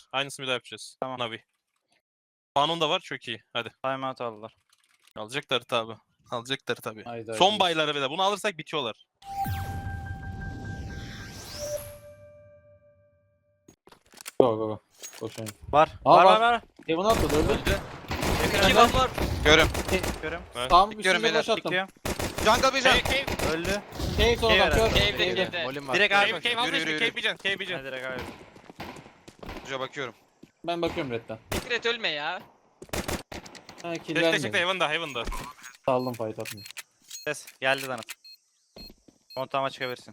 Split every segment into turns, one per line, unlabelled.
Aynısını bir daha yapacağız.
Tamam.
Navi. Fanon da var, çok iyi. Hadi.
Timeout aldılar.
Alacaklar tabi. Alacaklar tabi.
Haydi,
Son
haydi.
bayları bir de. Bunu alırsak bitiyorlar.
Go go go. Koşayım.
Var.
Aa,
var
var.
var var.
Kevin atladı öldü.
İki van var.
Görüm.
Görüyorum.
Tam
Bekliyorum
üstünde
beyler,
boş attım.
Bekliyorum.
Jungle bir can.
Öldü.
Cave sonra
Cave
kör.
Cave'de
Cave'de.
cave'de.
Molim var.
Direkt
Cave,
abi.
cave,
Yürü, yürü, yürü.
cave bican, cave bican.
Hadi direkt abi.
Şuraya bakıyorum.
Ben bakıyorum redden.
Fikret ölme ya.
Ha kill
Çekte çekte,
vermedim.
Heaven'da, Heaven'da.
Saldım fight atmayı.
Ses. Geldi Danıt. Kontağıma çıkabilirsin.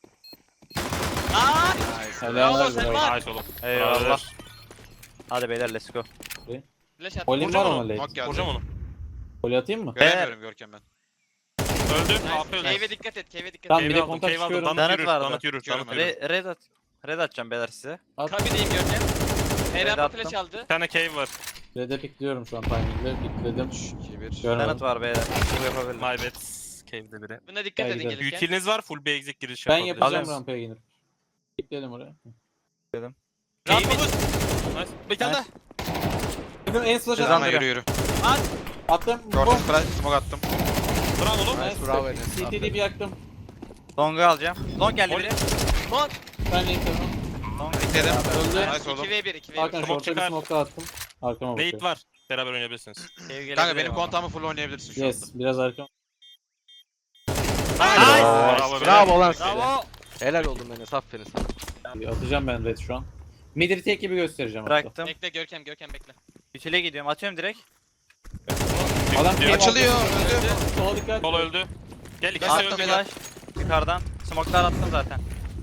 Aaa!
Helal
Bravo,
helal.
Selman.
Nice oğlum.
Eyvallah. Hadi beyler let's go.
Flash at.
Olim var
Vuracağım
ama
onu.
late.
Nok geldi.
Vuracağım onu.
Gol atayım mı?
Göremiyorum Görkem ben.
Öldü.
Nice.
AP öldü.
Cave'e dikkat et. Cave'e dikkat
Tamam,
et.
bir
Cave
de
aldım,
kontak
cave aldım.
çıkıyorum.
Danıt
Danıt
yürür,
vardı.
Danıt yürür,
Çıkıyorum
Danıt
ben.
yürür.
Red at. Red atacağım beyler size.
At.
Kabideyim Görkem. Eren
attım.
flash aldı.
Bir tane cave var.
Red'e pikliyorum şu an timing'de. Pikledim.
2-1.
Görmedim.
Danıt var beyler. Bu yapabilirim.
My bad. Cave'de biri.
Buna dikkat
Gel
edin
gidelim.
gelirken.
Utiliniz var, full basic giriş
Ben
yapabiliriz.
yapacağım
Alırız.
rampaya inip. Pikledim oraya.
Rampamız.
Nice. Bir tane daha.
Dedim en slash
Cezan
attım.
Ama yürü yürü.
Attım.
Gördüm. Smoke attım.
Bravo oğlum.
Nice.
Bravo Enes,
CT'yi
aferin.
bir yaktım.
Long'u alacağım. Long geldi biri.
Mon.
Ben linkledim.
Long.
Bekledim.
Öldü.
Nice oğlum.
2v1 2v1.
Hakan
Smoke
short'a bir
çıkar.
smoke daha attım. Arkama
Nate
bakıyorum.
var. Beraber oynayabilirsiniz.
Cave gelebilir
Kanka benim
ama.
kontağımı full oynayabilirsin şu anda.
Yes. Biraz arkam.
Nice.
Bravo.
Bravo.
lan size.
Bravo.
Helal oldun Enes, aferin sana.
Atacağım ben red şu an. Midri tek gibi göstereceğim hatta.
Bıraktım.
Bekle Görkem bekle.
Ütüle gidiyorum. Atıyorum direkt.
Adam
Diyor.
cave
Açılıyor.
aldı.
Öldü.
Sola dikkat.
Sol öldü. Gel ikisi
Attım
öldü.
beyler.
Flash. Yukarıdan. Smoke'lar attım zaten.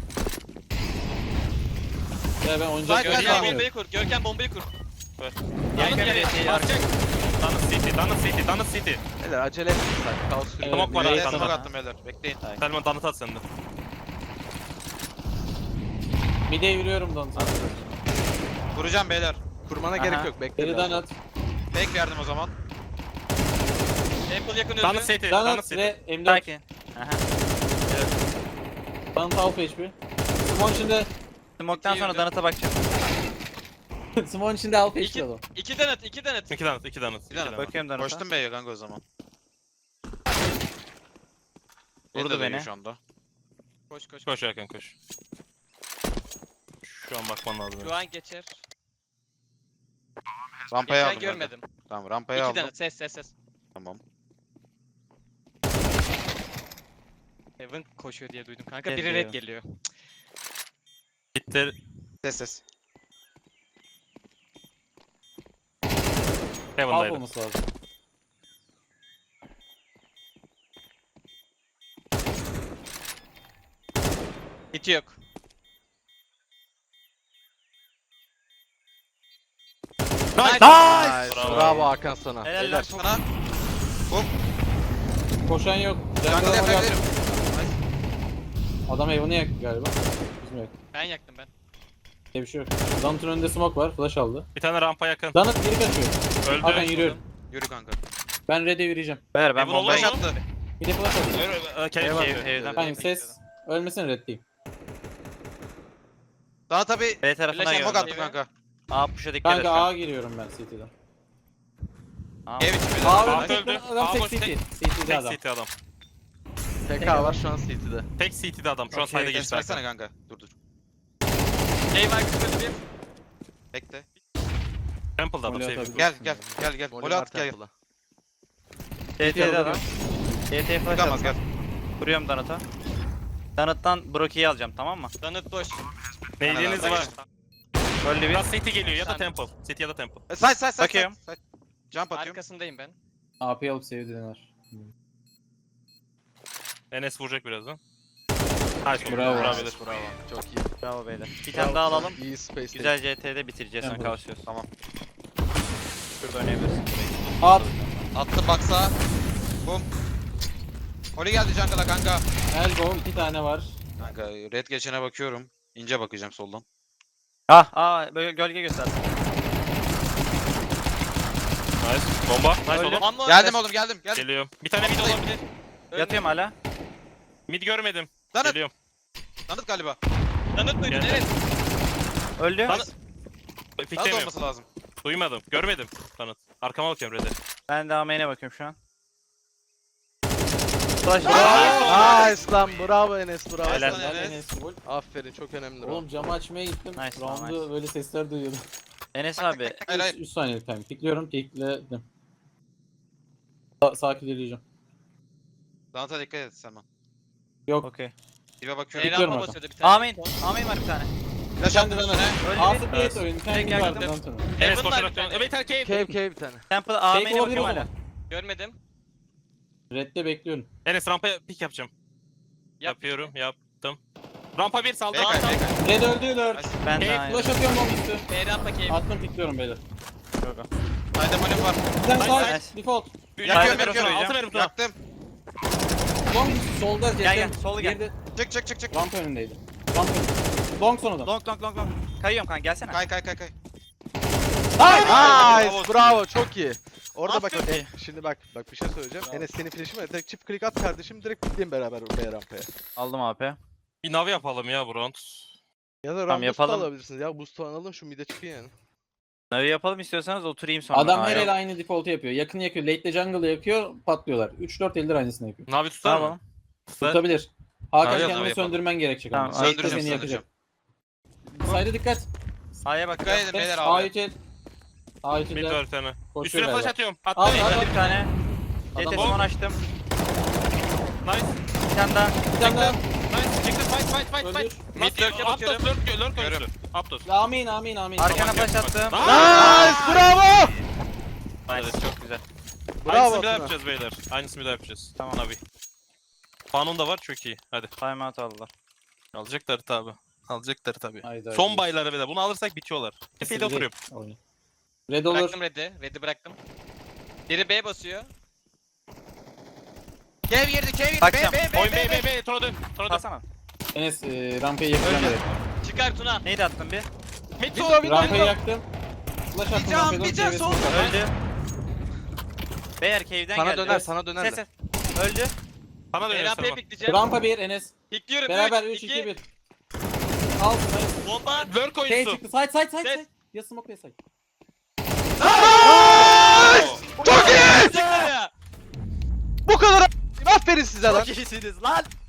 Ya ben oynayacak
Side,
bir
side,
şey
Görkem
side.
yok.
bombayı kur. Görkem bombayı kur.
Yakın
Yanıt
bir şey.
Basacak.
Danıt City.
Helal, acele etme sen. Kaos sürüyor.
Smoke var
Beyler,
arkanda.
smoke attım beyler. Bekleyin.
Selman Danıt at sende.
Mid'e yürüyorum don sana.
Vuracağım beyler.
Kurmana
Aha.
gerek yok, bekle.
Geriden
biraz.
at.
Fake verdim o zaman.
Temple yakın öldü.
Danıt City.
Dan
Danıt
at
City.
ve M4.
Sakin. Aha.
Danıt half HP. Simon içinde.
Smoke'tan sonra
yürüdü.
Danıt'a bakacağım.
Simon içinde half HP
İki,
adam.
iki danıt.
İki Danıt. İki Danıt.
Bakıyorum Danıt'a.
Koştum beye kanka o zaman.
Vurdu
Beni de dövüyor
beni.
Şu anda.
Koş.
Koş Hakan koş. Şu an bakman lazım.
Şu an geçer.
Rampaya
Geçen
aldım. ben de.
görmedim.
Tamam rampaya
İki
aldım.
danıt. Ses.
Tamam.
Evan koşuyor diye duydum kanka.
Geliyor.
Biri red geliyor.
Gitti.
Ses.
Half
Heaven'daydı.
olması lazım.
Hiti yok.
Nice.
Nice. Bravo Hakan sana.
Helal
Beyler.
lan.
Sana.
Koşan yok.
Jungle
Jungle
yapabilirim.
Adam evini yaktı galiba. Bizim yak.
Ben yaktım ben.
Bir şey yok. Danıt'ın önünde smoke var. Flash aldı.
Bir tane rampa yakın.
Danıt geri kaçıyor.
Öldü.
Hakan yürüyorum.
Yürü kanka.
Ben red'e yürüyeceğim.
Beyler ben
Evan
bombayı...
olmaz
Flash attı.
Bir de flash aldı.
Cave.
Evden
Kanka ses. Ölmesin reddeyim.
Daha tabi.
B tarafına
Flash
Smoke
gördüm.
attım kanka.
A push'a dikkat et.
Kanka
şu an.
A giriyorum ben CT'den.
A.
Ev içi beyler.
A
Aa,
öldü.
öldü.
Adam
Aa,
tek
boş,
CT.
tek-
CT'de
Tek
adam.
CT adam.
TK var şu an CT'de.
Tek CT'de adam. Şu an
Okey,
side'e
Enes
geçti.
versene kanka. Dur.
Game arkasında bir.
Bekle.
Temple'da adam
Molly
save.
atabilir.
Gel.
Molly
Gol
var
at gel.
temple'a.
CT'de adam. CT'ye flash
Çıkamaz gel.
attım. Vuruyorum Danıt'a. Danıt'tan Broki'yi alacağım tamam mı?
Danıt boş.
Neydiniz var?
Öldü bir.
Ya City geliyor ya da
Sen-
Temple. City ya da Temple.
Side.
Bakıyorum.
Jump atıyorum.
Arkasındayım ben.
AP alıp sevdiler.
Enes vuracak birazdan. Nice.
Bravo.
Bravo. beyler.
Bravo. Çok iyi.
Bravo beyler. Bir tane daha alalım.
İyi space.
Güzel CT'de bitireceğiz sonra
Temple.
kavuşuyoruz.
Tamam.
Şurada oynayabilirsin.
At.
Attı baksa. Bum. Oli geldi jungle'a kanka.
Elbow 2 tane var.
Kanka red geçene bakıyorum. İnce bakacağım soldan.
Böyle gölge göstersin.
Nice. Bomba. Nice
Öldü.
oğlum.
Ama
Geldim oğlum geldim.
Geliyorum. Bir tane mid olabilir.
Yatıyorum hala.
Mid görmedim.
Danıt.
Geliyorum.
Danıt galiba.
Danıt mıydı?
Geldi.
Evet.
Öldü.
Danıt.
Daha da
Piklemiyorum.
olması lazım.
Duymadım. Görmedim. Tanıt. Arkama bakıyorum Red'e.
Ben de main'e bakıyorum şu an. Flash.
Nice lan bravo Enes bravo.
Helal.
Helal.
Enes full.
Aferin çok önemli.
Oğlum camı açmaya gittim.
Nice,
Round'u
nice.
böyle sesler duyuyordum.
Enes abi.
Hayır hayır.
3 saniyelik time. Pikliyorum. Pikledim. Sakin ilerleyeceğim.
Danata dikkat et Selman.
Yok.
Okey.
Dibe bakıyorum.
Bekliyorum
Rampa
orada.
basıyordu bir tane.
Amin. Amin var bir tane.
Flash attım önüne.
Öyle
Altı
bir.
plate oyunu. Kendi
Tek
vardı.
yaktım.
Danton'u.
Enes
Heaven var
koşarak
bir
dön.
tane.
Evet cave.
Cave bir tane.
Temple
Fake
Amin'e
olabilir
bakıyorum
ama.
hala.
Görmedim.
Red'de bekliyorum.
Enes rampaya pick yapacağım. Yapıyorum. Yaptım. Rampa 1 saldı.
Bekay bekay.
Red öldü lord.
Ben de
Cave,
aynı.
Flash atıyorum bomb üstü.
B rampa cave.
Attım pikliyorum beyler.
Haydi molim var.
Bir tane
Nice,
side.
nice.
Default.
Yakıyorum
Altı
yakıyorum.
altı verim sana.
Yaktım.
Long solda.
Gel gel. Solu gel.
Geride
Çık çık çık çık.
ramp önündeydi. Ramp önünde. Long son adam.
Long long long long. Kayıyorum kanka gelsene.
Kay kay kay kay.
Nice bravo çok iyi. Orada bak
Aferin.
şimdi bak bir şey söyleyeceğim.
Bravo.
Enes senin flash'in var. Direkt çift click at kardeşim direkt bitleyin beraber B rampaya.
Aldım AP.
Bir nav yapalım ya bu round.
Ya da
Tamam,
ramp boost da
yapalım.
alabilirsiniz ya boost falan alın şu mid'e çıkın yani.
Navi yapalım istiyorsanız oturayım sonra.
Adam
Aa,
her
yok.
el aynı default'u yapıyor. Yakın yakıyor. Late'de jungle'ı yakıyor. Patlıyorlar. 3-4 eldir aynısını yapıyor.
Navi tutar
Tamam.
mı?
Tutabilir. Hakan
Abi,
kendini
abi yapalım.
söndürmen gerekecek
Tamam,
ama. Late'de
söndüreceğim,
seni yakacak. Sayda dikkat.
A'ya
Dikkat
bakıyorum.
edin beyler
A3
abi.
el. A3
Mid
el.
var bir tane.
Koşuyor
Üstüne flash
galiba.
atıyorum.
Al,
Attım.
al.
Öldü bir tane.
Adam
CT
bomb.
son açtım.
Nice.
Bir tane daha.
Bir tane daha.
Nice. Çıktı. Fight.
Öldür.
Mid lurk'e bakıyorum. Lurk
Görüyorum.
oyuncusu. Aptos.
Amin amin amin.
Arkana flash attım.
Nice bravo.
Nice. Çok güzel.
Bravo
Aynısını bir daha
Tuna.
yapacağız beyler. Aynısını bir daha yapacağız.
Tamam.
Navi. Fanon da var çok iyi. Hadi.
Timeout aldılar.
Alacaklar tabi. Alacaklar tabi.
Haydi,
Son
haydi.
bayları bile. Bunu alırsak bitiyorlar. Tepede oturuyorum.
Oyun. Red olur.
Bıraktım red'i. Red'i bıraktım. Biri B basıyor.
Kev girdi kev girdi.
Bakacağım.
Oyun B. Tora dön. Tora dön.
Kalsana.
Enes rampayı yakacağım
Öldü.
direkt.
Çıkar Tuna.
Neydi attın bir?
Mid
Window,
sol.
window.
Rampayı yaktım. Flash attım
Bir can,
rampaya doğru.
bir can,
çevresine
sol.
bak.
Öldü. Beyler cave'den
Sana
geldi.
döner sana döner.
Ses ses. Öldü.
Sana
B
dönüyor
rampaya
Selman.
pikleyeceğim.
Rampa 1 Enes.
Pikliyorum.
Beraber
3,
3 2 1. Al. Nice.
Bomba.
Lurk
Şey
oyuncusu.
çıktı. Side side side
Ses.
side. Ya smoke ya side.
Çok iyi.
Çıktı ya.
Bu kadar. Aferin size lan.
Çok iyisiniz lan.